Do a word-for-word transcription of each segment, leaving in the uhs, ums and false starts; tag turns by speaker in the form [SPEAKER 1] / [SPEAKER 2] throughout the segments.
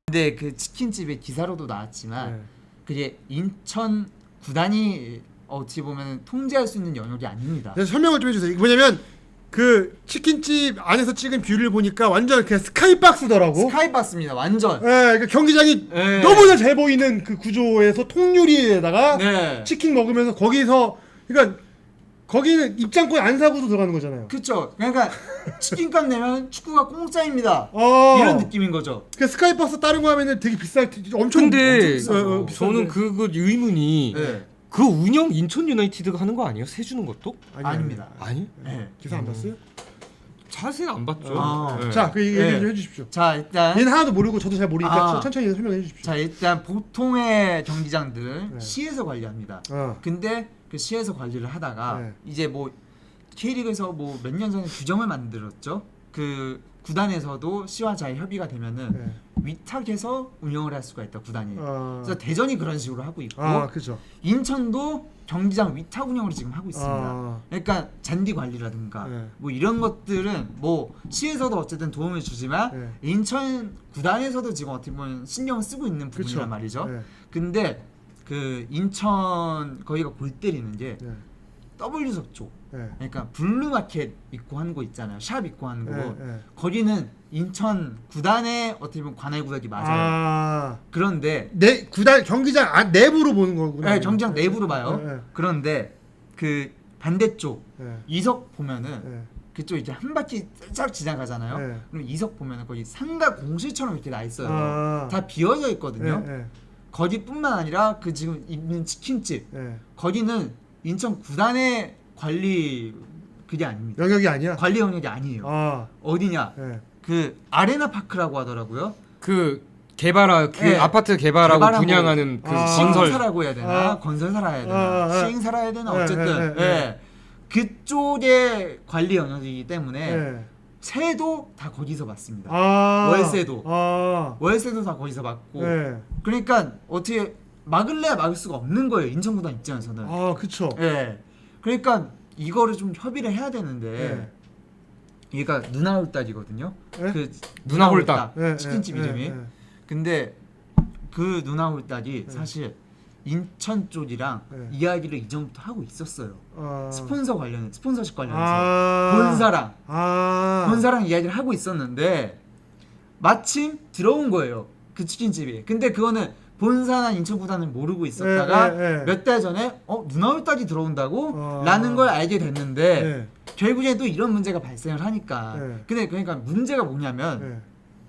[SPEAKER 1] 근데 그 치킨집의 기사로도 나왔지만
[SPEAKER 2] 네.
[SPEAKER 1] 그게 인천 구단이 어찌 보면 통제할 수 있는 영역이 아닙니다.
[SPEAKER 2] 그래서 설명을 좀 해주세요. 이게 뭐냐면 그 치킨집 안에서 찍은 뷰를 보니까 완전 그냥 스카이박스더라고.
[SPEAKER 1] 스카이박스입니다. 완전.
[SPEAKER 2] 예, 그러니까 경기장이
[SPEAKER 1] 네.
[SPEAKER 2] 너무나 잘 보이는 그 구조에서 통유리에다가
[SPEAKER 1] 네.
[SPEAKER 2] 치킨 먹으면서 거기서 그러니까 거기는 입장권 안 사고도 들어가는 거잖아요.
[SPEAKER 1] 그쵸. 그러니까 치킨값 내면 축구가 공짜입니다.
[SPEAKER 2] 어.
[SPEAKER 1] 이런 느낌인 거죠.
[SPEAKER 2] 그 스카이박스 다른 거 하면은 되게 비쌀 엄청
[SPEAKER 3] 근데
[SPEAKER 2] 엄청
[SPEAKER 1] 비싸죠.
[SPEAKER 2] 어, 어, 비싼데.
[SPEAKER 3] 저는 그거 의문이
[SPEAKER 1] 네.
[SPEAKER 3] 그 운영 인천 유나이티드가 하는 거 아니에요? 세 주는 것도?
[SPEAKER 2] 아니,
[SPEAKER 1] 아닙니다.
[SPEAKER 3] 아니?
[SPEAKER 1] 네.
[SPEAKER 2] 기사 안 봤어요?
[SPEAKER 3] 자세히 안 봤죠.
[SPEAKER 1] 아.
[SPEAKER 3] 네.
[SPEAKER 2] 자, 그 얘기
[SPEAKER 1] 네.
[SPEAKER 2] 좀 해주십시오.
[SPEAKER 1] 자 일단
[SPEAKER 2] 얘는 하나도 모르고 저도 잘 모르니까
[SPEAKER 1] 아.
[SPEAKER 2] 천천히 설명해 주십시오.
[SPEAKER 1] 자 일단 보통의 경기장들은
[SPEAKER 2] 네.
[SPEAKER 1] 시에서 관리합니다.
[SPEAKER 2] 어.
[SPEAKER 1] 근데 그 시에서 관리를 하다가
[SPEAKER 2] 네.
[SPEAKER 1] 이제 뭐 K리그에서 뭐 몇 년 전에 규정을 만들었죠. 그 구단에서도 시와 잘 협의가 되면은
[SPEAKER 2] 네.
[SPEAKER 1] 위탁해서 운영을 할 수가 있다 구단이.
[SPEAKER 2] 어.
[SPEAKER 1] 그래서 대전이 그런 식으로 하고 있고
[SPEAKER 2] 아, 그죠.
[SPEAKER 1] 인천도 경기장 위탁 운영을 지금 하고 있습니다.
[SPEAKER 2] 아.
[SPEAKER 1] 그러니까 잔디 관리라든가
[SPEAKER 2] 네.
[SPEAKER 1] 뭐 이런 것들은 뭐 시에서도 어쨌든 도움을 주지만
[SPEAKER 2] 네.
[SPEAKER 1] 인천 구단에서도 지금 어떻게 보면 신경을 쓰고 있는 부분이란
[SPEAKER 2] 그쵸.
[SPEAKER 1] 말이죠.
[SPEAKER 2] 네.
[SPEAKER 1] 근데 그 인천 거기가 골 때리는 게
[SPEAKER 2] 네.
[SPEAKER 1] W석 쪽,
[SPEAKER 2] 네.
[SPEAKER 1] 그러니까 블루마켓 있고 하는 거 있잖아요. 샵 있고 하는 거.
[SPEAKER 2] 네. 네.
[SPEAKER 1] 거기는 인천 구단의 어떻게 보면 관할 구역이 맞아요.
[SPEAKER 2] 아.
[SPEAKER 1] 그런데
[SPEAKER 2] 내 구단 경기장 안 내부로 보는 거구나.
[SPEAKER 1] 네, 경기장 내부로 봐요.
[SPEAKER 2] 네. 네.
[SPEAKER 1] 그런데 그 반대쪽
[SPEAKER 2] 네.
[SPEAKER 1] 이석 보면은
[SPEAKER 2] 네.
[SPEAKER 1] 그쪽 이제 한 바퀴 쫙 지나가잖아요.
[SPEAKER 2] 네.
[SPEAKER 1] 그럼 이석 보면은 거기 상가 공실처럼 이렇게 나 있어요.
[SPEAKER 2] 아.
[SPEAKER 1] 다 비어져 있거든요.
[SPEAKER 2] 네. 네.
[SPEAKER 1] 거기뿐만 아니라 그 지금 있는 치킨집
[SPEAKER 2] 네.
[SPEAKER 1] 거기는 인천 구단의 관리 그게 아닙니다.
[SPEAKER 2] 영역이 아니야.
[SPEAKER 1] 관리 영역이 아니에요.
[SPEAKER 2] 아.
[SPEAKER 1] 어디냐?
[SPEAKER 2] 네.
[SPEAKER 1] 그 아레나 파크라고 하더라고요.
[SPEAKER 3] 그 개발하 그
[SPEAKER 1] 네.
[SPEAKER 3] 아파트 개발하고,
[SPEAKER 1] 개발하고
[SPEAKER 3] 분양하는 그
[SPEAKER 2] 아.
[SPEAKER 3] 건설
[SPEAKER 1] 시행사라고 해야 되나?
[SPEAKER 2] 아.
[SPEAKER 1] 건설사라 해야 되나?
[SPEAKER 2] 아, 아.
[SPEAKER 1] 시행사라 해야 되나?
[SPEAKER 2] 네,
[SPEAKER 1] 어쨌든
[SPEAKER 2] 네, 네,
[SPEAKER 1] 예. 그쪽의 관리 영역이기 때문에
[SPEAKER 2] 네.
[SPEAKER 1] 세도 다 거기서 받습니다.
[SPEAKER 2] 아.
[SPEAKER 1] 월세도.
[SPEAKER 2] 아.
[SPEAKER 1] 월세도 다 거기서 받고.
[SPEAKER 2] 네.
[SPEAKER 1] 그러니까 어떻게 막을래야 막을 수가 없는 거예요. 인천구단 입장에서는.
[SPEAKER 2] 아, 그쵸.
[SPEAKER 1] 예. 그러니까 이거를 좀 협의를 해야 되는데
[SPEAKER 2] 네.
[SPEAKER 1] 얘가 누나홀딱이거든요.
[SPEAKER 2] 네?
[SPEAKER 1] 그
[SPEAKER 3] 누나홀딱.
[SPEAKER 2] 네,
[SPEAKER 1] 치킨집
[SPEAKER 2] 네,
[SPEAKER 1] 이름이.
[SPEAKER 2] 네, 네.
[SPEAKER 1] 근데 그 누나홀딱이
[SPEAKER 2] 네.
[SPEAKER 1] 사실 인천 쪽이랑
[SPEAKER 2] 네.
[SPEAKER 1] 이야기를 이전부터 하고 있었어요.
[SPEAKER 2] 아.
[SPEAKER 1] 스폰서 관련, 스폰서십 관련해서
[SPEAKER 2] 아.
[SPEAKER 1] 본사랑
[SPEAKER 2] 아.
[SPEAKER 1] 본사랑 이야기를 하고 있었는데 마침 들어온 거예요. 그 치킨집이. 근데 그거는 본사나 인천구단은 모르고 있었다가
[SPEAKER 2] 네, 네, 네.
[SPEAKER 1] 몇 달 전에 어 누나홀딱이 들어온다고?
[SPEAKER 2] 아.
[SPEAKER 1] 라는 걸 알게 됐는데
[SPEAKER 2] 네.
[SPEAKER 1] 결국에 또 이런 문제가 발생을 하니까.
[SPEAKER 2] 네.
[SPEAKER 1] 근데 그러니까 문제가 뭐냐면
[SPEAKER 2] 네.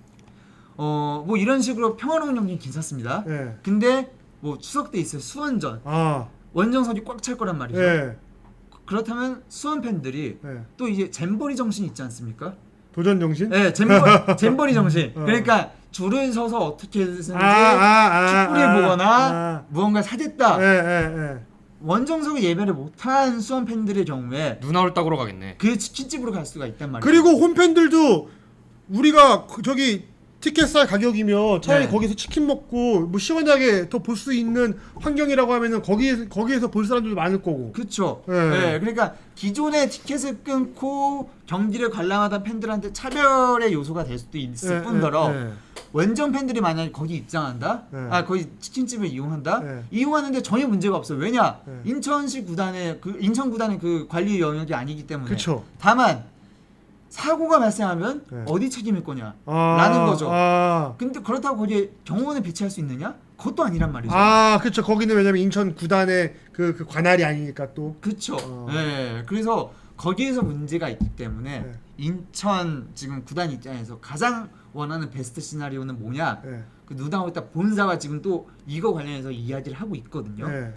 [SPEAKER 1] 어 뭐 이런 식으로 평화로운 경기는 괜찮습니다.
[SPEAKER 2] 네.
[SPEAKER 1] 근데 뭐 추석 때 있어요. 수원전.
[SPEAKER 2] 아.
[SPEAKER 1] 원정석이 꽉 찰 거란 말이죠.
[SPEAKER 2] 네.
[SPEAKER 1] 그렇다면 수원 팬들이
[SPEAKER 2] 네.
[SPEAKER 1] 또 이제 잼버리 정신이 있지 않습니까?
[SPEAKER 2] 도전 정신?
[SPEAKER 1] 네, 잼버, 잼버리 정신.
[SPEAKER 2] 어.
[SPEAKER 1] 그러니까 줄을 서서 어떻게든지
[SPEAKER 2] 아, 아, 아,
[SPEAKER 1] 축구를
[SPEAKER 2] 아,
[SPEAKER 1] 보거나
[SPEAKER 2] 아.
[SPEAKER 1] 무언가 사겠다.
[SPEAKER 2] 네, 네, 네.
[SPEAKER 1] 원정석을 예배를 못한 수원 팬들의 경우에
[SPEAKER 3] 누나홀딱으로 가겠네.
[SPEAKER 1] 그 치킨집으로 갈 수가 있단 말이에요.
[SPEAKER 2] 그리고 홈팬들도 우리가 그 저기 티켓 살 가격이면 차라리
[SPEAKER 1] 네.
[SPEAKER 2] 거기서 치킨 먹고 뭐 시원하게 더 볼 수 있는 환경이라고 하면은 거기 거기에서 볼 사람들도 많을 거고.
[SPEAKER 1] 그렇죠.
[SPEAKER 2] 네.
[SPEAKER 1] 네. 그러니까 기존의 티켓을 끊고 경기를 관람하던 팬들한테 차별의 요소가 될 수도 있을
[SPEAKER 2] 네,
[SPEAKER 1] 뿐더러
[SPEAKER 2] 네, 네.
[SPEAKER 1] 원정 팬들이 만약에 거기 입장한다,
[SPEAKER 2] 네.
[SPEAKER 1] 아 거기 치킨집을 이용한다,
[SPEAKER 2] 네.
[SPEAKER 1] 이용하는데 전혀 문제가 없어요. 왜냐?
[SPEAKER 2] 네.
[SPEAKER 1] 인천시 구단의 그 인천 구단의 그 관리 영역이 아니기 때문에.
[SPEAKER 2] 그쵸.
[SPEAKER 1] 다만 사고가 발생하면
[SPEAKER 2] 네.
[SPEAKER 1] 어디 책임일 거냐?
[SPEAKER 2] 아,
[SPEAKER 1] 라는 거죠.
[SPEAKER 2] 아,
[SPEAKER 1] 근데 그렇다고 거기에 경호원을 배치할 수 있느냐? 그것도 아니란 말이죠.
[SPEAKER 2] 아, 그렇죠. 거기는 왜냐면 인천 구단의 그, 그 관할이 아니니까 또.
[SPEAKER 1] 그렇죠.
[SPEAKER 2] 어.
[SPEAKER 1] 네, 그래서 거기에서 문제가 있기 때문에
[SPEAKER 2] 네.
[SPEAKER 1] 인천 지금 구단 입장에서 가장 원하는 베스트 시나리오는 뭐냐?
[SPEAKER 2] 네.
[SPEAKER 1] 그 누다오타 본사가 지금 또 이거 관련해서 이야기를 하고 있거든요.
[SPEAKER 2] 네.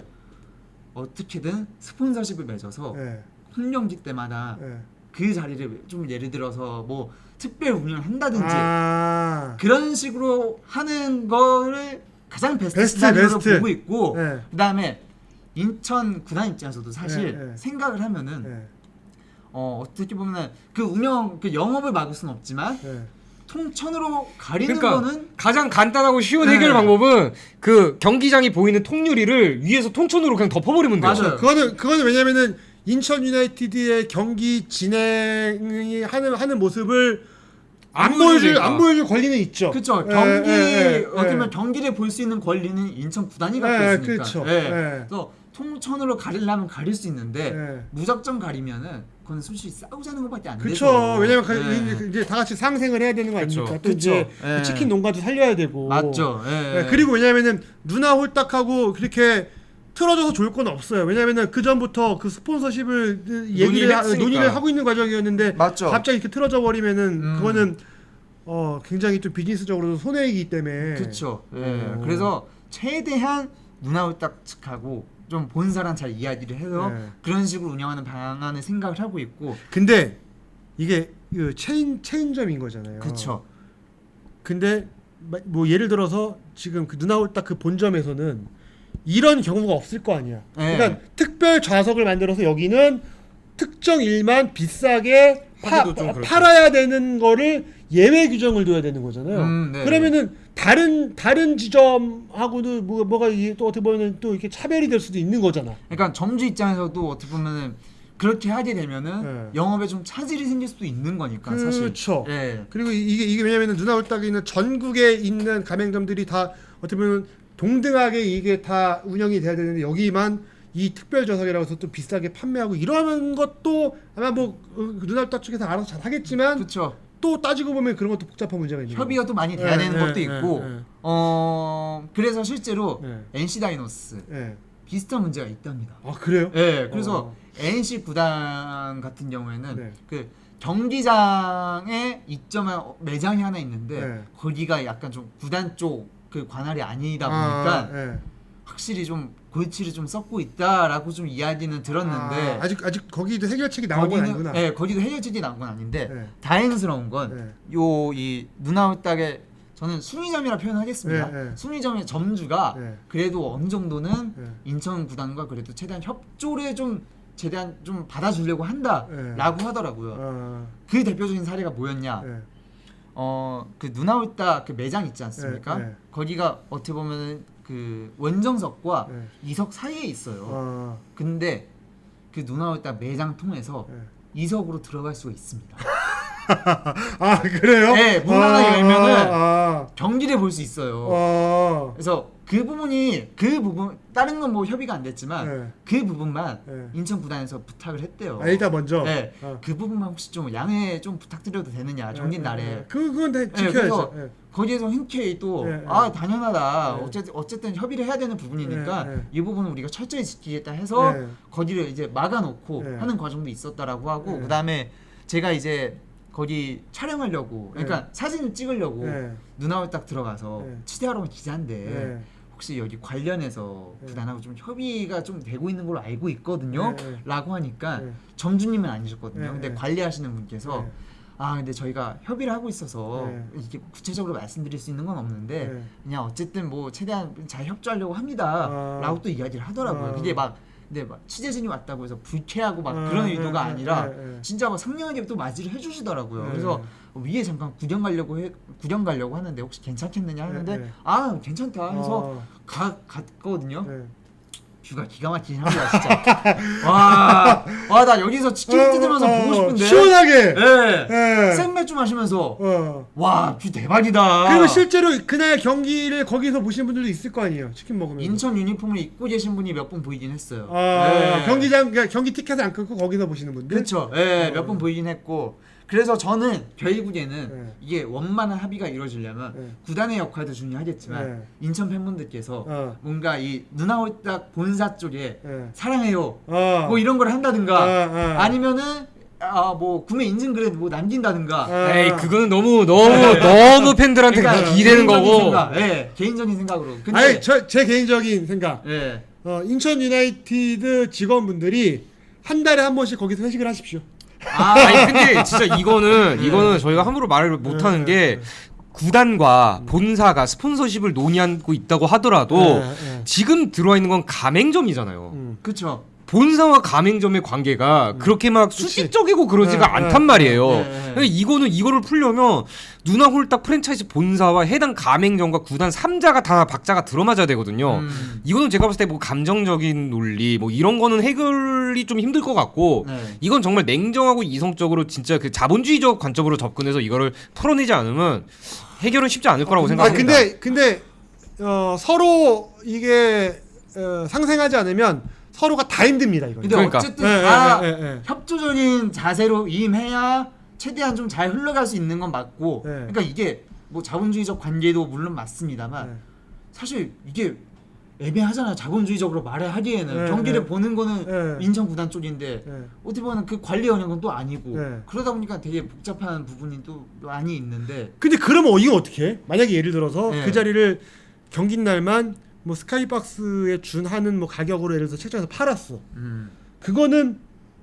[SPEAKER 1] 어떻게든 스폰서십을 맺어서
[SPEAKER 2] 네.
[SPEAKER 1] 홈경기 때마다
[SPEAKER 2] 네.
[SPEAKER 1] 그 자리를 좀 예를 들어서 뭐 특별 운영을 한다든지
[SPEAKER 2] 아.
[SPEAKER 1] 그런 식으로 하는 거를 가장 베스트,
[SPEAKER 2] 베스트,
[SPEAKER 1] 시나리오로
[SPEAKER 2] 베스트.
[SPEAKER 1] 보고 있고
[SPEAKER 2] 네.
[SPEAKER 1] 그다음에 인천 구단 입장에서도 사실
[SPEAKER 2] 네, 네.
[SPEAKER 1] 생각을 하면은
[SPEAKER 2] 네.
[SPEAKER 1] 어 어떻게 보면은 그 운영 그 영업을 막을 수는 없지만
[SPEAKER 2] 네.
[SPEAKER 1] 통천으로 가리는
[SPEAKER 3] 그러니까
[SPEAKER 1] 거는
[SPEAKER 3] 가장 간단하고 쉬운
[SPEAKER 1] 네.
[SPEAKER 3] 해결 방법은 그 경기장이 보이는 통유리를 위에서 통천으로 그냥 덮어버리면 돼요.
[SPEAKER 1] 맞아요.
[SPEAKER 2] 그거는 그거는 왜냐면은 인천 유나이티드의 경기 진행이 하는 하는 모습을 안
[SPEAKER 3] 안
[SPEAKER 2] 보여줄
[SPEAKER 3] 보여주니까.
[SPEAKER 2] 안 보여줄 권리는 있죠.
[SPEAKER 1] 그렇죠.
[SPEAKER 2] 예,
[SPEAKER 1] 경기
[SPEAKER 2] 예, 예,
[SPEAKER 1] 어떻게
[SPEAKER 2] 예.
[SPEAKER 1] 보면 경기를 볼 수 있는 권리는 인천 구단이 갖고
[SPEAKER 2] 예,
[SPEAKER 1] 있으니까.
[SPEAKER 2] 그렇죠.
[SPEAKER 1] 예.
[SPEAKER 2] 예.
[SPEAKER 1] 그래서 통천으로 가리려면 가릴 수 있는데
[SPEAKER 2] 예.
[SPEAKER 1] 무작정 가리면은 그건 솔직히 싸우자는 것밖에 안
[SPEAKER 2] 그렇죠.
[SPEAKER 1] 되죠.
[SPEAKER 2] 왜냐면 가-
[SPEAKER 1] 예.
[SPEAKER 2] 이제 다 같이 상생을 해야 되는 거
[SPEAKER 3] 그쵸.
[SPEAKER 2] 아닙니까? 또
[SPEAKER 1] 그쵸.
[SPEAKER 2] 이제
[SPEAKER 1] 예.
[SPEAKER 2] 그 치킨 농가도 살려야 되고.
[SPEAKER 1] 맞죠. 예.
[SPEAKER 2] 예, 그리고 왜냐면은 누나 홀딱하고 그렇게 틀어져서 좋을 건 없어요. 왜냐면은 그 전부터 그 스폰서십을 얘기를
[SPEAKER 1] 논의를
[SPEAKER 2] 하,
[SPEAKER 1] 했으니까.
[SPEAKER 2] 논의를 하고 있는 과정이었는데
[SPEAKER 1] 맞죠.
[SPEAKER 2] 갑자기 이렇게 틀어져 버리면은
[SPEAKER 1] 음.
[SPEAKER 2] 그거는 어 굉장히 또 비즈니스적으로도 손해이기 때문에.
[SPEAKER 1] 그렇죠. 예.
[SPEAKER 2] 어.
[SPEAKER 1] 그래서 최대한 누나홀딱 측하고 좀 본사랑 잘 이야기를 해서
[SPEAKER 2] 예.
[SPEAKER 1] 그런 식으로 운영하는 방안을 생각을 하고 있고.
[SPEAKER 2] 근데 이게 그 체인 체인점인 거잖아요.
[SPEAKER 1] 그렇죠.
[SPEAKER 2] 근데 마- 뭐 예를 들어서 지금 그 누나 홀딱 그 본점에서는 이런 경우가 없을 거 아니야.
[SPEAKER 1] 네.
[SPEAKER 2] 그러니까 특별 좌석을 만들어서 여기는 특정 일만 비싸게 파,
[SPEAKER 3] 하기도 좀 그렇죠.
[SPEAKER 2] 팔아야 되는 거를 예외 규정을 둬야 되는 거잖아요.
[SPEAKER 1] 음, 네.
[SPEAKER 2] 그러면은 다른 다른 지점하고도 뭐, 뭐가 이게 또 어떻게 보면은 또 이렇게 차별이 될 수도 있는 거잖아.
[SPEAKER 1] 그러니까 점주 입장에서도 어떻게 보면은 그렇게 하게 되면은
[SPEAKER 2] 예.
[SPEAKER 1] 영업에 좀 차질이 생길 수도 있는 거니까 사실.
[SPEAKER 2] 그렇죠.
[SPEAKER 1] 예.
[SPEAKER 2] 그리고 이게 이게 왜냐면은 누나 홀딱에 있는 전국에 있는 가맹점들이 다 어떻게 보면 동등하게 이게 다 운영이 돼야 되는데 여기만 이 특별 좌석이라고 해서 또 비싸게 판매하고 이러는 것도 아마 뭐 어, 누나 홀딱 쪽에서 알아서 잘 하겠지만
[SPEAKER 1] 그렇죠.
[SPEAKER 2] 또 따지고 보면 그런 것도 복잡한 문제가 있는
[SPEAKER 1] 협의가 또 많이 돼야
[SPEAKER 2] 예,
[SPEAKER 1] 되는
[SPEAKER 2] 예,
[SPEAKER 1] 것도
[SPEAKER 2] 예,
[SPEAKER 1] 있고.
[SPEAKER 2] 예.
[SPEAKER 1] 어 그래서 실제로
[SPEAKER 2] 예.
[SPEAKER 1] 엔씨 다이노스
[SPEAKER 2] 예.
[SPEAKER 1] 비슷한 문제가 있답니다.
[SPEAKER 2] 아 그래요?
[SPEAKER 1] 예. 그래서
[SPEAKER 2] 어.
[SPEAKER 1] 엔씨 구단 같은 경우에는
[SPEAKER 2] 네.
[SPEAKER 1] 그 경기장에 입점한 매장이 하나 있는데
[SPEAKER 2] 네.
[SPEAKER 1] 거기가 약간 좀 구단 쪽 그 관할이 아니다 보니까
[SPEAKER 2] 아, 예.
[SPEAKER 1] 확실히 좀 골치를 좀 썩고 있다라고 좀 이야기는 들었는데
[SPEAKER 2] 아, 아직 아직 거기도 해결책이 나온 건 아니구나.
[SPEAKER 1] 예, 거기도 해결책이 나온 건 아닌데
[SPEAKER 2] 네.
[SPEAKER 1] 다행스러운 건
[SPEAKER 2] 네.
[SPEAKER 1] 요 이 누나홀딱의 저는 순위점이라 표현하겠습니다.
[SPEAKER 2] 네, 네.
[SPEAKER 1] 순위점의 점주가
[SPEAKER 2] 네.
[SPEAKER 1] 그래도 어느 정도는
[SPEAKER 2] 네.
[SPEAKER 1] 인천 구단과 그래도 최대한 협조를 좀 최대한 좀 받아주려고 한다라고
[SPEAKER 2] 네.
[SPEAKER 1] 하더라고요.
[SPEAKER 2] 아,
[SPEAKER 1] 그 대표적인 사례가 뭐였냐?
[SPEAKER 2] 예.
[SPEAKER 1] 어 그 누나홀딱 그 매장 있지 않습니까?
[SPEAKER 2] 네, 네.
[SPEAKER 1] 거기가 어떻게 보면 그 원정석과
[SPEAKER 2] 네.
[SPEAKER 1] 이석 사이에 있어요.
[SPEAKER 2] 아,
[SPEAKER 1] 근데 그 누나홀딱 매장 통해서
[SPEAKER 2] 예.
[SPEAKER 1] 이석으로 들어갈 수가 있습니다.
[SPEAKER 2] 아 그래요?
[SPEAKER 1] 네, 문 하나
[SPEAKER 2] 아,
[SPEAKER 1] 열면은
[SPEAKER 2] 아,
[SPEAKER 1] 경기를 볼 수 있어요.
[SPEAKER 2] 아,
[SPEAKER 1] 그래서 그 부분이 그 부분 다른 건 뭐 협의가 안 됐지만
[SPEAKER 2] 네.
[SPEAKER 1] 그 부분만
[SPEAKER 2] 네.
[SPEAKER 1] 인천 구단에서 부탁을 했대요.
[SPEAKER 2] 아, 일단 먼저.
[SPEAKER 1] 네,
[SPEAKER 2] 아.
[SPEAKER 1] 그 부분만 혹시 좀 양해 좀 부탁드려도 되느냐 경기 날에.
[SPEAKER 2] 예, 예. 그 그건 다
[SPEAKER 1] 네,
[SPEAKER 2] 지켜야죠.
[SPEAKER 1] 그래서
[SPEAKER 2] 예.
[SPEAKER 1] 거기에서 흔쾌히 또
[SPEAKER 2] 예, 예.
[SPEAKER 1] 아 당연하다.
[SPEAKER 2] 예.
[SPEAKER 1] 어쨌든 어쨌든 협의를 해야 되는 부분이니까
[SPEAKER 2] 예, 예.
[SPEAKER 1] 이 부분은 우리가 철저히 지키겠다 해서
[SPEAKER 2] 예.
[SPEAKER 1] 거기를 이제 막아놓고
[SPEAKER 2] 예.
[SPEAKER 1] 하는 과정도 있었다라고 하고
[SPEAKER 2] 예.
[SPEAKER 1] 그다음에 제가 이제 거기 촬영하려고 그러니까 사진을 찍으려고
[SPEAKER 2] 예.
[SPEAKER 1] 누나홀 딱 들어가서
[SPEAKER 2] 예.
[SPEAKER 1] 취재하러 온 기자인데
[SPEAKER 2] 예.
[SPEAKER 1] 혹시 여기 관련해서
[SPEAKER 2] 예.
[SPEAKER 1] 구단하고 좀 협의가 좀 되고 있는 걸로 알고 있거든요.
[SPEAKER 2] 예, 예.
[SPEAKER 1] 라고 하니까
[SPEAKER 2] 예.
[SPEAKER 1] 점주님은 아니셨거든요.
[SPEAKER 2] 예,
[SPEAKER 1] 근데
[SPEAKER 2] 예.
[SPEAKER 1] 관리하시는 분께서
[SPEAKER 2] 예.
[SPEAKER 1] 아 근데 저희가 협의를 하고 있어서
[SPEAKER 2] 예.
[SPEAKER 1] 이게 구체적으로 말씀드릴 수 있는 건 없는데
[SPEAKER 2] 예.
[SPEAKER 1] 그냥 어쨌든 뭐 최대한 잘 협조하려고 합니다.
[SPEAKER 2] 아.
[SPEAKER 1] 라고 또 이야기를 하더라고요.
[SPEAKER 2] 아.
[SPEAKER 1] 그게 막 근데 막 취재진이 왔다고 해서 불쾌하고 막
[SPEAKER 2] 아,
[SPEAKER 1] 그런
[SPEAKER 2] 예,
[SPEAKER 1] 의도가
[SPEAKER 2] 예,
[SPEAKER 1] 아니라
[SPEAKER 2] 예, 예.
[SPEAKER 1] 진짜 막 상냥하게 또 맞이를 해주시더라고요.
[SPEAKER 2] 예.
[SPEAKER 1] 그래서 위에 잠깐 구경 가려고 해 구경 가려고 하는데 혹시 괜찮겠느냐 하는데
[SPEAKER 2] 예, 예.
[SPEAKER 1] 아 괜찮다 해서
[SPEAKER 2] 어.
[SPEAKER 1] 가 갔거든요.
[SPEAKER 2] 예.
[SPEAKER 1] 뷰가 기가 막히긴 합니다 진짜. 와와 나 여기서 치킨 뜯으면서
[SPEAKER 2] 어,
[SPEAKER 1] 보고
[SPEAKER 2] 어,
[SPEAKER 1] 싶은데.
[SPEAKER 2] 시원하게.
[SPEAKER 1] 예.
[SPEAKER 2] 예.
[SPEAKER 1] 생맥주 마시면서
[SPEAKER 2] 어.
[SPEAKER 1] 와 뷰 대박이다.
[SPEAKER 2] 그리고 실제로 그날 경기를 거기서 보신 분들도 있을 거 아니에요. 치킨 먹으면.
[SPEAKER 1] 인천 유니폼을 입고 계신 분이 몇 분 보이긴 했어요.
[SPEAKER 2] 아,
[SPEAKER 1] 예.
[SPEAKER 2] 경기장 그러니까 경기 티켓을 안 끊고 거기서 보시는 분들.
[SPEAKER 1] 그렇죠. 예,
[SPEAKER 2] 어.
[SPEAKER 1] 몇 분 보이긴 했고. 그래서 저는 결국에는
[SPEAKER 2] 예.
[SPEAKER 1] 이게 원만한 합의가 이루어지려면
[SPEAKER 2] 예.
[SPEAKER 1] 구단의 역할도 중요하겠지만
[SPEAKER 2] 예.
[SPEAKER 1] 인천 팬분들께서
[SPEAKER 2] 어.
[SPEAKER 1] 뭔가 이 누나홀딱 본사 쪽에
[SPEAKER 2] 예.
[SPEAKER 1] 사랑해요
[SPEAKER 2] 어.
[SPEAKER 1] 뭐 이런 걸 한다든가
[SPEAKER 2] 어, 어.
[SPEAKER 1] 아니면은 아 뭐 구매 인증글에 뭐 남긴다든가
[SPEAKER 2] 어.
[SPEAKER 3] 에이 그거는 너무 너무
[SPEAKER 1] 네.
[SPEAKER 3] 너무 팬들한테
[SPEAKER 1] 그러니까
[SPEAKER 3] 기대는
[SPEAKER 1] 개인적인
[SPEAKER 3] 거고.
[SPEAKER 1] 생각, 예, 개인적인 생각으로. 근데
[SPEAKER 2] 아니 저 제 개인적인 생각.
[SPEAKER 1] 예.
[SPEAKER 2] 어, 인천 유나이티드 직원분들이 한 달에 한 번씩 거기서 회식을 하십시오.
[SPEAKER 1] 아,
[SPEAKER 3] 아니 근데 진짜 이거는
[SPEAKER 1] 네.
[SPEAKER 3] 이거는 저희가 함부로 말을 못 하는 게 구단과 본사가 스폰서십을 논의하고 있다고 하더라도
[SPEAKER 2] 예, 예.
[SPEAKER 3] 지금 들어와 있는 건 가맹점이잖아요.
[SPEAKER 2] 음.
[SPEAKER 1] 그쵸.
[SPEAKER 3] 본사와 가맹점의 관계가 그렇게 막 수직적이고 그러지가
[SPEAKER 2] 네,
[SPEAKER 3] 않단
[SPEAKER 2] 네,
[SPEAKER 3] 말이에요.
[SPEAKER 1] 네, 네.
[SPEAKER 3] 그러니까 이거는 이거를 풀려면 누나 홀딱 프랜차이즈 본사와 해당 가맹점과 구단 삼 자가 다 박자가 들어맞아야 되거든요.
[SPEAKER 1] 음.
[SPEAKER 3] 이거는 제가 봤을 때 뭐 감정적인 논리 뭐 이런 거는 해결이 좀 힘들 것 같고
[SPEAKER 1] 네.
[SPEAKER 3] 이건 정말 냉정하고 이성적으로 진짜 그 자본주의적 관점으로 접근해서 이거를 풀어내지 않으면 해결은 쉽지 않을 거라고
[SPEAKER 2] 아
[SPEAKER 3] 생각합니다.
[SPEAKER 2] 근데 근데 어, 서로 이게 어, 상생하지 않으면 서로가 다 힘듭니다 이거.
[SPEAKER 1] 근데
[SPEAKER 3] 그러니까.
[SPEAKER 1] 어쨌든
[SPEAKER 2] 예,
[SPEAKER 1] 다
[SPEAKER 2] 예, 예, 예.
[SPEAKER 1] 협조적인 자세로 임해야 최대한 좀 잘 흘러갈 수 있는 건 맞고
[SPEAKER 2] 예.
[SPEAKER 1] 그러니까 이게 뭐 자본주의적 관계도 물론 맞습니다만
[SPEAKER 2] 예.
[SPEAKER 1] 사실 이게 애매하잖아요. 자본주의적으로 말을 하기에는
[SPEAKER 2] 예,
[SPEAKER 1] 경기를
[SPEAKER 2] 예.
[SPEAKER 1] 보는 거는
[SPEAKER 2] 예.
[SPEAKER 1] 인천 구단 쪽인데
[SPEAKER 2] 예.
[SPEAKER 1] 어떻게 보면 그 관리 영역은 또 아니고
[SPEAKER 2] 예.
[SPEAKER 1] 그러다 보니까 되게 복잡한 부분이 또 많이 있는데
[SPEAKER 2] 근데 그러면 이거 어떻게 해? 만약에 예를 들어서
[SPEAKER 1] 예.
[SPEAKER 2] 그 자리를 경기 날만 뭐 스카이박스에 준하는 뭐 가격으로 예를 들어서 책장에서 팔았어.
[SPEAKER 1] 음.
[SPEAKER 2] 그거는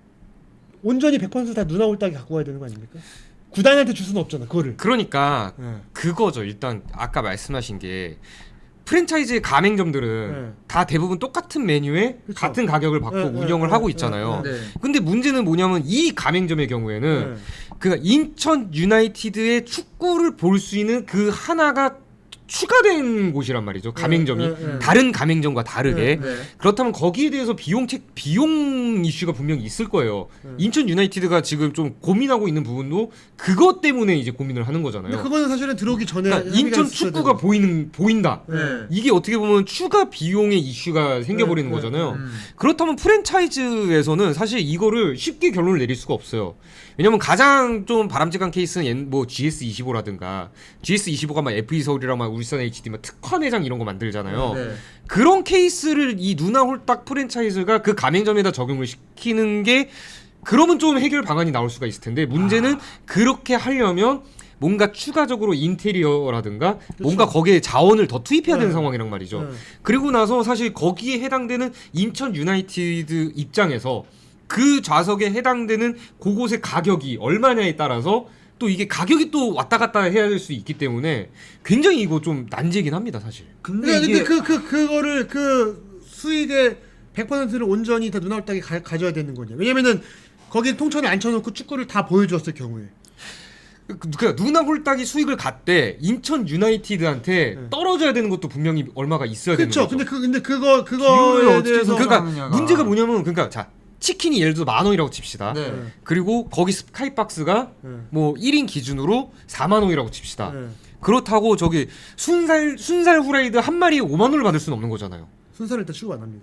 [SPEAKER 2] 온전히 백 퍼센트 다 누나 홀딱이 갖고 와야 되는 거 아닙니까? 구단한테 줄 수는 없잖아 그거를.
[SPEAKER 3] 그러니까
[SPEAKER 2] 예.
[SPEAKER 3] 그거죠. 일단 아까 말씀하신 게 프랜차이즈 가맹점들은
[SPEAKER 2] 네.
[SPEAKER 3] 다 대부분 똑같은 메뉴에
[SPEAKER 2] 그쵸.
[SPEAKER 3] 같은 가격을 받고
[SPEAKER 2] 네, 네,
[SPEAKER 3] 운영을
[SPEAKER 2] 네,
[SPEAKER 3] 하고
[SPEAKER 2] 네,
[SPEAKER 3] 있잖아요.
[SPEAKER 1] 네.
[SPEAKER 3] 근데 문제는 뭐냐면 이 가맹점의 경우에는
[SPEAKER 2] 네.
[SPEAKER 3] 그 인천 유나이티드의 축구를 볼 수 있는 그 하나가 추가된 곳이란 말이죠. 가맹점이
[SPEAKER 2] 네, 네, 네.
[SPEAKER 3] 다른 가맹점과 다르게
[SPEAKER 2] 네,
[SPEAKER 1] 네.
[SPEAKER 3] 그렇다면 거기에 대해서 비용 책 비용 이슈가 분명히 있을 거예요.
[SPEAKER 2] 네.
[SPEAKER 3] 인천 유나이티드가 지금 좀 고민하고 있는 부분도 그것 때문에 이제 고민을 하는 거잖아요.
[SPEAKER 2] 근데 그거는 사실은 들어오기 전에
[SPEAKER 3] 그러니까 인천
[SPEAKER 2] 합의가 있었어야
[SPEAKER 3] 축구가
[SPEAKER 2] 되고.
[SPEAKER 3] 보이는 보인다.
[SPEAKER 1] 네.
[SPEAKER 3] 이게 어떻게 보면 추가 비용의 이슈가 생겨버리는
[SPEAKER 2] 네, 네,
[SPEAKER 3] 거잖아요.
[SPEAKER 1] 음.
[SPEAKER 3] 그렇다면 프랜차이즈에서는 사실 이거를 쉽게 결론을 내릴 수가 없어요. 왜냐면 가장 좀 바람직한 케이스는 옛- 뭐 지에스 이십오라든가 지에스 이십오가 막 에프이 서울이랑 막 울산 에이치디 막 특화 매장 이런 거 만들잖아요.
[SPEAKER 1] 네.
[SPEAKER 3] 그런 케이스를 이 누나 홀딱 프랜차이즈가 그 가맹점에다 적용을 시키는 게 그러면 좀 해결 방안이 나올 수가 있을 텐데 문제는
[SPEAKER 2] 아.
[SPEAKER 3] 그렇게 하려면 뭔가 추가적으로 인테리어라든가 뭔가 거기에 자원을 더 투입해야 되는
[SPEAKER 2] 네.
[SPEAKER 3] 상황이란 말이죠.
[SPEAKER 2] 네.
[SPEAKER 3] 그리고 나서 사실 거기에 해당되는 인천 유나이티드 입장에서 그 좌석에 해당되는 그곳의 가격이 얼마냐에 따라서 또 이게 가격이 또 왔다 갔다 해야 될 수 있기 때문에 굉장히 이거 좀 난제긴 합니다, 사실.
[SPEAKER 1] 근데
[SPEAKER 2] 근데,
[SPEAKER 1] 이게
[SPEAKER 2] 근데 그, 그, 그거를 그 수익의 백 퍼센트를 온전히 다 누나 홀딱이 가, 가져야 되는 거냐. 왜냐면은 거기 통천에 앉혀놓고 축구를 다 보여줬을 경우에.
[SPEAKER 3] 그, 그 누나 홀딱이 수익을 갖되 인천 유나이티드한테
[SPEAKER 2] 네.
[SPEAKER 3] 떨어져야 되는 것도 분명히 얼마가 있어야
[SPEAKER 2] 그렇죠.
[SPEAKER 3] 되는 거죠.
[SPEAKER 2] 근데 그 근데 그거
[SPEAKER 1] 비율을
[SPEAKER 2] 그거에
[SPEAKER 1] 어떻게
[SPEAKER 2] 대해서
[SPEAKER 1] 해서-
[SPEAKER 3] 그러니까
[SPEAKER 1] 하느냐가.
[SPEAKER 3] 문제가 뭐냐면 그러니까 자 치킨이 예를 들어 만 원이라고 칩시다.
[SPEAKER 1] 네.
[SPEAKER 2] 네.
[SPEAKER 3] 그리고 거기 스카이박스가
[SPEAKER 2] 네.
[SPEAKER 3] 뭐 일 인 기준으로 사만 원이라고 칩시다.
[SPEAKER 2] 네.
[SPEAKER 3] 그렇다고 저기 순살 순살 후라이드 한 마리에 오만 원을 받을 수는 없는 거잖아요.
[SPEAKER 2] 순서를 일단 취급 안 합니다.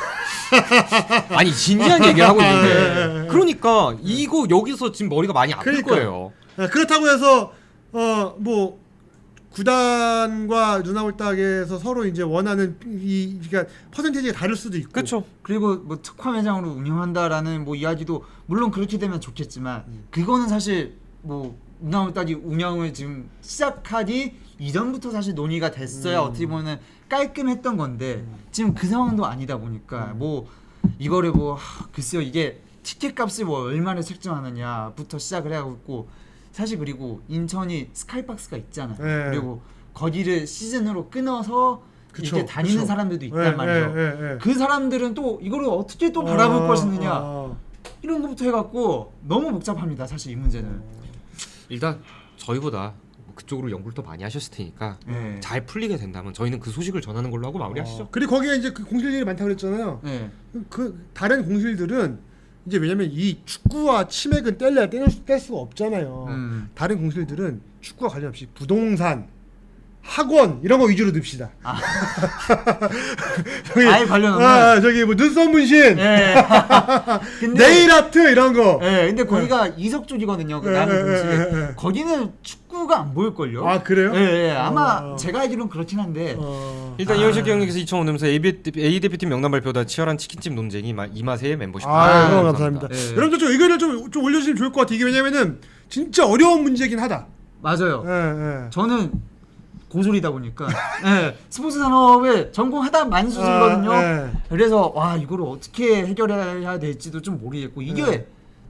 [SPEAKER 3] 아니 진지한 얘기를 하고
[SPEAKER 2] 네,
[SPEAKER 3] 있는데 그러니까 이거 여기서 지금 머리가 많이 아플
[SPEAKER 2] 그러니까.
[SPEAKER 3] 거예요.
[SPEAKER 2] 네, 그렇다고 해서 어 뭐 구단과 누나 홀딱에서 서로 이제 원하는 이 그러니까 퍼센테이지가 다를 수도 있고.
[SPEAKER 3] 그렇죠.
[SPEAKER 1] 그리고 뭐 특화 매장으로 운영한다라는 뭐 이야기도 물론 그렇게 되면 좋겠지만 그거는 사실 뭐 운영을따기 운영을 지금 시작하기 이전부터 사실 논의가 됐어야
[SPEAKER 2] 음.
[SPEAKER 1] 어떻게 보면 깔끔했던 건데 지금 그 상황도 아니다 보니까 뭐 이거를 뭐 하, 글쎄요 이게 티켓 값을 뭐 얼마를 책정하느냐부터 시작을 해갖고 사실 그리고 인천이 스카이박스가 있잖아요.
[SPEAKER 2] 네.
[SPEAKER 1] 그리고 거기를 시즌으로 끊어서
[SPEAKER 2] 그쵸,
[SPEAKER 1] 이렇게 다니는
[SPEAKER 2] 그쵸.
[SPEAKER 1] 사람들도 있단
[SPEAKER 2] 네,
[SPEAKER 1] 말이에요.
[SPEAKER 2] 네, 네, 네.
[SPEAKER 1] 그 사람들은 또 이거를 어떻게 또 바라볼
[SPEAKER 2] 아,
[SPEAKER 1] 것이느냐
[SPEAKER 2] 아.
[SPEAKER 1] 이런 것부터 해갖고 너무 복잡합니다. 사실 이 문제는.
[SPEAKER 3] 일단 저희보다 그쪽으로 연구를 더 많이 하셨을 테니까
[SPEAKER 1] 네.
[SPEAKER 3] 잘 풀리게 된다면 저희는 그 소식을 전하는 걸로 하고 마무리하시죠.
[SPEAKER 2] 어, 그리고 거기에 이제 그 공실들이 많다고 그랬잖아요.
[SPEAKER 1] 네.
[SPEAKER 2] 그 다른 공실들은 이제 왜냐면 이 축구와 치맥은 뗄래야 뗄, 수- 뗄 수가 없잖아요.
[SPEAKER 1] 음.
[SPEAKER 2] 다른 공실들은 축구와 관련 없이 부동산, 학원 이런 거 위주로 듭시다.
[SPEAKER 1] 아.
[SPEAKER 2] 저기,
[SPEAKER 1] 아예 관련 없는.
[SPEAKER 2] 아, 저기 뭐 눈썹 문신,
[SPEAKER 1] 네. 근데
[SPEAKER 2] 네일 아트 이런 거.
[SPEAKER 1] 네, 근데 거기가 이석 쪽이거든요. 그
[SPEAKER 2] 네,
[SPEAKER 1] 남은
[SPEAKER 2] 네,
[SPEAKER 1] 공식.
[SPEAKER 2] 네, 네.
[SPEAKER 1] 거기는 축구가 안 보일 걸요.
[SPEAKER 2] 아 그래요?
[SPEAKER 1] 네, 네. 아마
[SPEAKER 2] 어.
[SPEAKER 1] 제가 알기로는 그렇긴 한데.
[SPEAKER 2] 어.
[SPEAKER 3] 일단
[SPEAKER 1] 아.
[SPEAKER 3] 이현식 경기에서 이천오 년에서 A, A 대표팀 명단 발표보다 치열한 치킨집 논쟁이 마- 이 맛에 멤버십.
[SPEAKER 2] 아,
[SPEAKER 1] 아,
[SPEAKER 2] 너무 감사합니다.
[SPEAKER 1] 네.
[SPEAKER 2] 여러분들 좀 의견을 좀, 좀 올려주시면 좋을 것 같아요. 이게 왜냐면은 진짜 어려운 문제긴 하다.
[SPEAKER 1] 맞아요.
[SPEAKER 2] 예, 예.
[SPEAKER 1] 저는 고졸이다 보니까 네, 스포츠 산업에 전공하다 만수지거든요.
[SPEAKER 2] 아, 예.
[SPEAKER 1] 그래서 와 이거를 어떻게 해결해야 될지도 좀 모르겠고 이게
[SPEAKER 2] 네.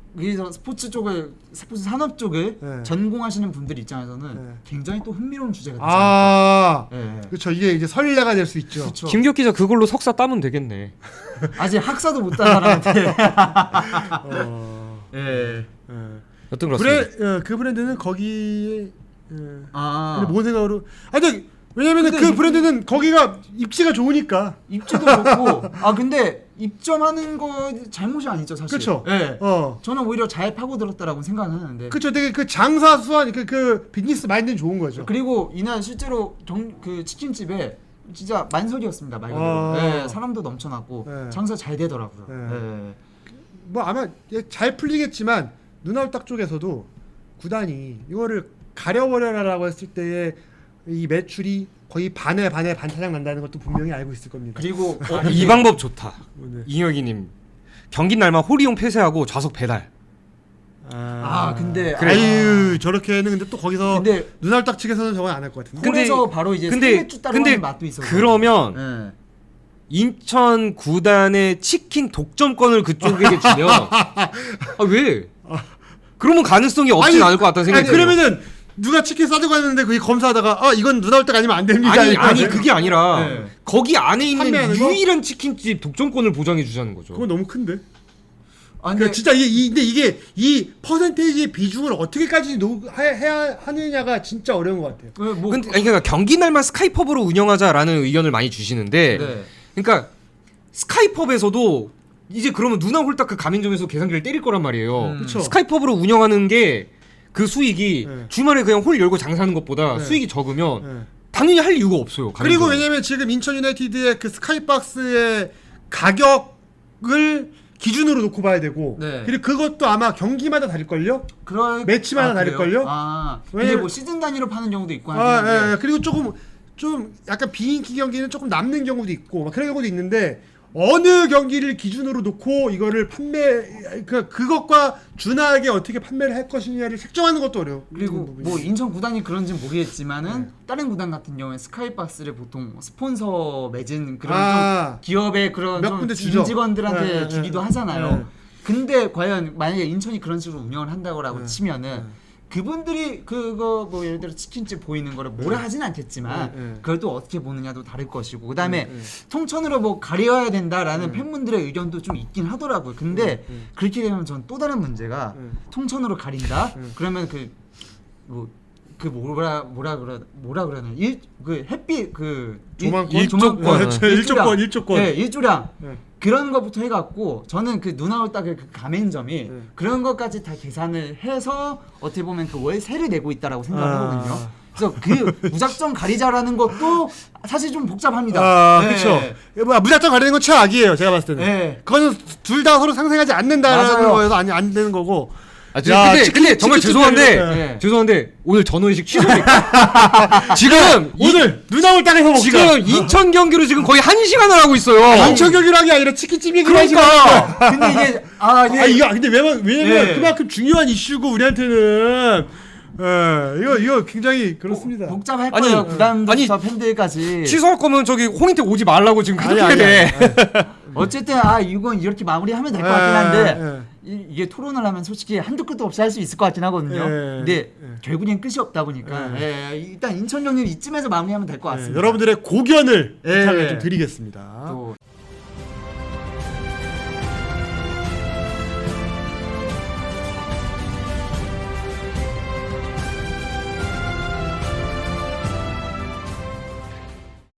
[SPEAKER 1] 여기서 스포츠 쪽을 스포츠 산업 쪽을
[SPEAKER 2] 네.
[SPEAKER 1] 전공하시는 분들 입장에서는
[SPEAKER 2] 네.
[SPEAKER 1] 굉장히 또 흥미로운 주제가 되지
[SPEAKER 2] 아,
[SPEAKER 1] 않을까. 예.
[SPEAKER 2] 그렇죠. 이게 이제 설레가 될 수 있죠.
[SPEAKER 1] 그렇죠.
[SPEAKER 3] 김기혁 기자 그걸로 석사 따면 되겠네.
[SPEAKER 1] 아직 학사도 못 딴 사람한테.
[SPEAKER 2] 어,
[SPEAKER 1] 예.
[SPEAKER 2] 예.
[SPEAKER 3] 여튼 그렇습니다.
[SPEAKER 2] 브레, 어, 그 브랜드는 거기에 예.
[SPEAKER 1] 아.
[SPEAKER 2] 근데 뭔 생각으로? 아, 근데 왜냐면은
[SPEAKER 1] 근데
[SPEAKER 2] 그
[SPEAKER 1] 이-
[SPEAKER 2] 브랜드는 거기가 입지가 좋으니까.
[SPEAKER 1] 입지도 좋고. 아 근데 입점하는 거 잘못이 아니죠 사실.
[SPEAKER 2] 그쵸.
[SPEAKER 1] 예.
[SPEAKER 2] 어,
[SPEAKER 1] 저는 오히려 잘 파고들었다라고 생각하는데.
[SPEAKER 2] 그렇죠. 되게 그 장사 수완 그, 그 비즈니스 마인드는 좋은 거죠.
[SPEAKER 1] 그리고 이날 실제로 정, 그 치킨집에 진짜 만석이었습니다 말 그대로.
[SPEAKER 2] 아.
[SPEAKER 1] 예, 사람도 넘쳐났고
[SPEAKER 2] 네.
[SPEAKER 1] 장사 잘 되더라고요.
[SPEAKER 2] 네.
[SPEAKER 1] 예.
[SPEAKER 2] 뭐 아마 잘 풀리겠지만 눈알딱 쪽에서도 구단이 이거를 가려버려라라고 했을 때의 이 매출이 거의 반에 반에 반타작 난다는 것도 분명히 알고 있을 겁니다.
[SPEAKER 1] 그리고
[SPEAKER 3] 어, 이 방법 좋다.
[SPEAKER 2] 네.
[SPEAKER 3] 이혁이님 경기 날만 홀이용 폐쇄하고 좌석 배달.
[SPEAKER 1] 아, 근데
[SPEAKER 2] 그래. 아유 저렇게는 근데 또 거기서
[SPEAKER 1] 근데
[SPEAKER 2] 눈알딱 측에서는 저건 안 할 것 같은데.
[SPEAKER 3] 근데-
[SPEAKER 1] 그래서 바로 이제
[SPEAKER 3] 근데
[SPEAKER 1] 스테이크 따로
[SPEAKER 3] 근데
[SPEAKER 1] 하는 맛도 있어요.
[SPEAKER 3] 그러면
[SPEAKER 1] 예.
[SPEAKER 3] 인천 구단의 치킨 독점권을 그쪽에게 주면 아 왜? 그러면 가능성이 없진
[SPEAKER 2] 아니,
[SPEAKER 3] 않을 것 같다는 생각이
[SPEAKER 2] 아니
[SPEAKER 3] 들어요.
[SPEAKER 2] 그러면은 누가 치킨 싸들고 왔는데 그게 검사하다가 아 이건 눈알딱 아니면 안 됩니다.
[SPEAKER 3] 아니
[SPEAKER 2] 이거
[SPEAKER 3] 아니
[SPEAKER 2] 아니에요?
[SPEAKER 3] 그게 아니라
[SPEAKER 1] 네.
[SPEAKER 3] 거기 안에 있는
[SPEAKER 2] 판매하는 거?
[SPEAKER 3] 유일한 치킨집 독점권을 보장해 주자는 거죠.
[SPEAKER 2] 그건 너무 큰데.
[SPEAKER 1] 아,
[SPEAKER 2] 그러니까
[SPEAKER 1] 근데
[SPEAKER 2] 진짜 이, 이 근데 이게 이 퍼센테이지의 비중을 어떻게까지 노, 해, 해야 하느냐가 진짜 어려운 것 같아요.
[SPEAKER 1] 그 뭐
[SPEAKER 3] 근데 아니 그러니까 경기 날만 스카이펍으로 운영하자라는 의견을 많이 주시는데
[SPEAKER 1] 네.
[SPEAKER 3] 그러니까 스카이펍에서도 이제 그러면 누나 홀딱 그 가맹점에서 계산기를 때릴 거란 말이에요.
[SPEAKER 1] 음.
[SPEAKER 2] 그쵸.
[SPEAKER 3] 스카이펍으로 운영하는 게 그 수익이
[SPEAKER 2] 네.
[SPEAKER 3] 주말에 그냥 홀 열고 장사하는 것보다
[SPEAKER 2] 네.
[SPEAKER 3] 수익이 적으면
[SPEAKER 2] 네.
[SPEAKER 3] 당연히 할 이유가 없어요.
[SPEAKER 2] 그리고
[SPEAKER 3] 가맹점은.
[SPEAKER 2] 왜냐면 지금 인천 유나이티드의 그 스카이박스의 가격을 기준으로 놓고 봐야 되고
[SPEAKER 1] 네.
[SPEAKER 2] 그리고 그것도 아마 경기마다 다를걸요?
[SPEAKER 1] 그럴
[SPEAKER 2] 매치마다
[SPEAKER 1] 아,
[SPEAKER 2] 다를걸요?
[SPEAKER 1] 그래요? 아, 근데
[SPEAKER 2] 왜냐면-
[SPEAKER 1] 뭐 시즌 단위로 파는 경우도 있고
[SPEAKER 2] 아,
[SPEAKER 1] 하는데.
[SPEAKER 2] 예, 예. 그리고 조금 좀 약간 비인기 경기는 조금 남는 경우도 있고 막 그런 경우도 있는데 어느 경기를 기준으로 놓고 이거를 판매 그 그것과 준하게 어떻게 판매를 할 것이냐를 책정하는 것도 어려워.
[SPEAKER 1] 그리고 뭐 인천 구단이 그런지는 모르겠지만은 다른 구단 같은 경우에 스카이박스를 보통 스폰서 맺은 그런
[SPEAKER 2] 아.
[SPEAKER 1] 좀 기업의 그런
[SPEAKER 2] 몇
[SPEAKER 1] 좀
[SPEAKER 2] 군데 주죠.
[SPEAKER 1] 임직원들한테
[SPEAKER 2] 네, 네,
[SPEAKER 1] 주기도
[SPEAKER 2] 네.
[SPEAKER 1] 하잖아요.
[SPEAKER 2] 네.
[SPEAKER 1] 근데 과연 만약에 인천이 그런 식으로 운영을 한다고라고
[SPEAKER 2] 네.
[SPEAKER 1] 치면은
[SPEAKER 2] 네.
[SPEAKER 1] 그분들이 그거 뭐 예를 들어 치킨집 보이는 거를 뭐라 하진 않겠지만
[SPEAKER 2] 네, 네.
[SPEAKER 1] 그걸 또 어떻게 보느냐도 다를 것이고 그다음에
[SPEAKER 2] 네, 네.
[SPEAKER 1] 통천으로 뭐 가려야 된다라는
[SPEAKER 2] 네.
[SPEAKER 1] 팬분들의 의견도 좀 있긴 하더라고요. 근데
[SPEAKER 2] 네, 네.
[SPEAKER 1] 그렇게 되면 전 또 다른 문제가
[SPEAKER 2] 네.
[SPEAKER 1] 통천으로 가린다.
[SPEAKER 2] 네.
[SPEAKER 1] 그러면 그 뭐 그 뭐라 뭐라 그러 뭐라 그러나 일그 햇빛 그
[SPEAKER 2] 조망권?
[SPEAKER 1] 일- 조망권
[SPEAKER 2] 네, 저 일조권, 일조권.
[SPEAKER 1] 네, 일조량
[SPEAKER 2] 네.
[SPEAKER 1] 그런 것부터 해갖고 저는 그 눈아올 딱의 그 가맹점이
[SPEAKER 2] 네.
[SPEAKER 1] 그런 것까지 다 계산을 해서 어떻게 보면 그 월세를 내고 있다라고 생각하거든요.
[SPEAKER 2] 아.
[SPEAKER 1] 그래서 그 무작정 가리자라는 것도 사실 좀 복잡합니다.
[SPEAKER 2] 아,
[SPEAKER 1] 네.
[SPEAKER 2] 그렇죠. 뭐 무작정 가리는 건 최악이에요. 제가 봤을 때는.
[SPEAKER 1] 네.
[SPEAKER 2] 그거는 둘 다 서로 상생하지 않는다라는
[SPEAKER 1] 맞아요.
[SPEAKER 2] 거여서 아니 안 되는 거고.
[SPEAKER 3] 아, 저,
[SPEAKER 2] 야,
[SPEAKER 3] 근데,
[SPEAKER 2] 치킨-
[SPEAKER 3] 근데 정말
[SPEAKER 2] 치킨
[SPEAKER 3] 죄송한데
[SPEAKER 2] 치킨이니까.
[SPEAKER 1] 네.
[SPEAKER 3] 죄송한데 오늘 전원식 취소될까? 지금 이-
[SPEAKER 2] 오늘 눈아올 땅에서 먹자.
[SPEAKER 3] 지금 인천 경기로 지금 거의 한 시간을 하고 있어요.
[SPEAKER 2] 인천 경기라는 게 아니라 치킨집 얘기를
[SPEAKER 3] 그러니까
[SPEAKER 1] 근데 이게 아 이게
[SPEAKER 2] 아 이거 근데 왜냐면 왜냐면
[SPEAKER 1] 네.
[SPEAKER 2] 그만큼 중요한 이슈고 우리한테는 예 이거 이거 굉장히 그렇습니다.
[SPEAKER 1] 복잡할
[SPEAKER 3] 아니,
[SPEAKER 1] 거예요. 구단부터
[SPEAKER 3] 아니,
[SPEAKER 1] 팬들까지.
[SPEAKER 3] 취소할 거면 저기 홍인택 오지 말라고 지금
[SPEAKER 2] 아니,
[SPEAKER 3] 그렇게
[SPEAKER 2] 아니,
[SPEAKER 3] 돼.
[SPEAKER 2] 아니,
[SPEAKER 1] 어쨌든 아 이건 이렇게 마무리하면 될 것
[SPEAKER 2] 예,
[SPEAKER 1] 같긴 한데
[SPEAKER 2] 예.
[SPEAKER 1] 이, 이게 토론을 하면 솔직히 한두 끝도 없이 할 수 있을 것 같긴 하거든요.
[SPEAKER 2] 예,
[SPEAKER 1] 근데
[SPEAKER 2] 예.
[SPEAKER 1] 결국엔 끝이 없다 보니까 예, 일단 인천 경기는 이쯤에서 마무리하면 될 것
[SPEAKER 2] 예,
[SPEAKER 1] 같습니다.
[SPEAKER 2] 여러분들의 고견을
[SPEAKER 1] 예.
[SPEAKER 2] 부탁을 좀 드리겠습니다.
[SPEAKER 1] 또